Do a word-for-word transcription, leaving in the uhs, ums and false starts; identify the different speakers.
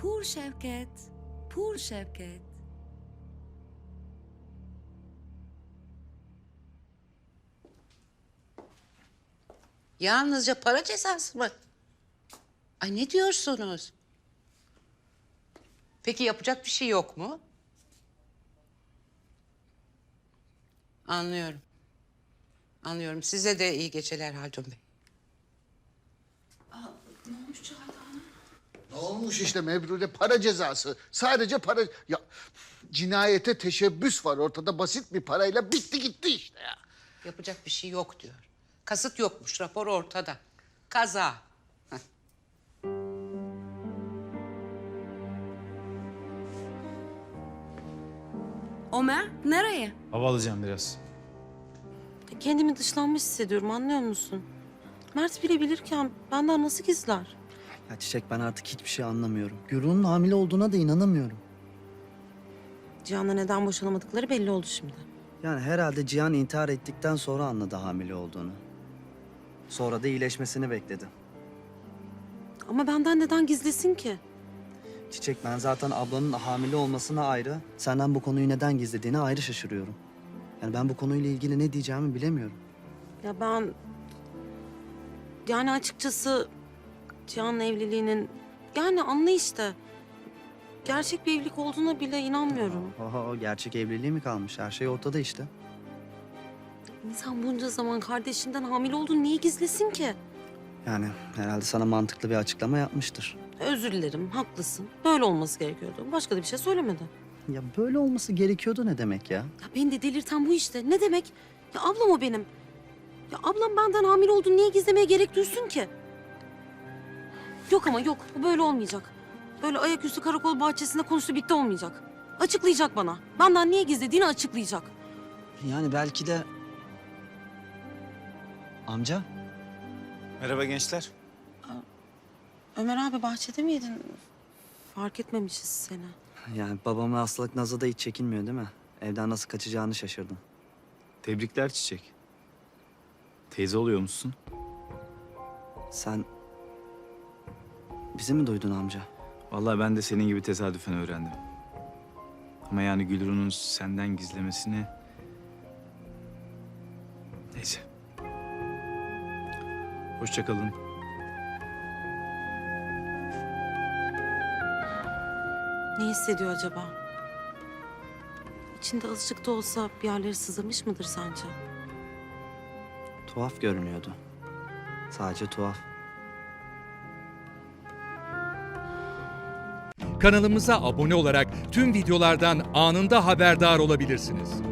Speaker 1: Pur Şevket, Pur Şevket.
Speaker 2: Yalnızca para cezası mı? Ay ne diyorsunuz? Peki yapacak bir şey yok mu? Anlıyorum. Anlıyorum. Size de iyi geceler Haldun Bey.
Speaker 3: Ne olmuş işte Mebrude, para cezası. Sadece para... Ya cinayete teşebbüs var ortada, basit bir parayla bitti gitti işte ya.
Speaker 2: Yapacak bir şey yok diyor. Kasıt yokmuş. Rapor ortada. Kaza. Heh.
Speaker 1: Ömer, nereye?
Speaker 4: Hava alacağım biraz.
Speaker 5: Kendimi dışlanmış hissediyorum, anlıyor musun? Mert bile bilirken benden nasıl gizler?
Speaker 6: Ya Çiçek, ben artık hiçbir şey anlamıyorum. Gürun'un hamile olduğuna da inanamıyorum.
Speaker 5: Cihan'la neden boşanamadıkları belli oldu şimdi.
Speaker 6: Yani herhalde Cihan intihar ettikten sonra anladı hamile olduğunu. Sonra da iyileşmesini bekledi.
Speaker 5: Ama benden neden gizlesin ki?
Speaker 6: Çiçek, ben zaten ablanın hamile olmasına ayrı, senden bu konuyu neden gizlediğine ayrı şaşırıyorum. Yani ben bu konuyla ilgili ne diyeceğimi bilemiyorum.
Speaker 5: Ya ben... Yani açıkçası Cihan'la evliliğinin... Yani anla işte. Gerçek bir evlilik olduğuna bile inanmıyorum.
Speaker 6: Oho, gerçek evliliği mi kalmış? Her şey ortada işte.
Speaker 5: İnsan bunca zaman kardeşinden hamile olduğunu niye gizlesin ki?
Speaker 6: Yani herhalde sana mantıklı bir açıklama yapmıştır.
Speaker 5: Özür dilerim, haklısın. Böyle olması gerekiyordu. Başka da bir şey söylemedi.
Speaker 6: Ya böyle olması gerekiyordu ne demek ya?
Speaker 5: Ya beni de delirten bu işte. Ne demek? Ya ablam o benim. Ya ablam benden hamile olduğunu niye gizlemeye gerek duysun ki? Yok ama yok. Bu böyle olmayacak. Böyle ayaküstü karakol bahçesinde konuştu bitti olmayacak. Açıklayacak bana. Benden niye gizlediğini açıklayacak.
Speaker 6: Yani belki de... Amca?
Speaker 4: Merhaba gençler.
Speaker 5: Ömer abi bahçede miydin? Fark etmemişiz seni.
Speaker 6: Yani babamın hastalık nazı da hiç çekinmiyor değil mi? Evden nasıl kaçacağını şaşırdım.
Speaker 4: Tebrikler Çiçek. Teyze oluyor musun?
Speaker 6: Sen... Bizi mi duydun amca?
Speaker 4: Vallahi ben de senin gibi tesadüfen öğrendim. Ama yani Gülru'nun senden gizlemesini... Neyse. Hoşça kalın.
Speaker 5: Ne hissediyor acaba? İçinde azıcık da olsa bir yerleri sızlamış mıdır sence?
Speaker 6: Tuhaf görünüyordu. Sadece tuhaf.
Speaker 7: Kanalımıza abone olarak tüm videolardan anında haberdar olabilirsiniz.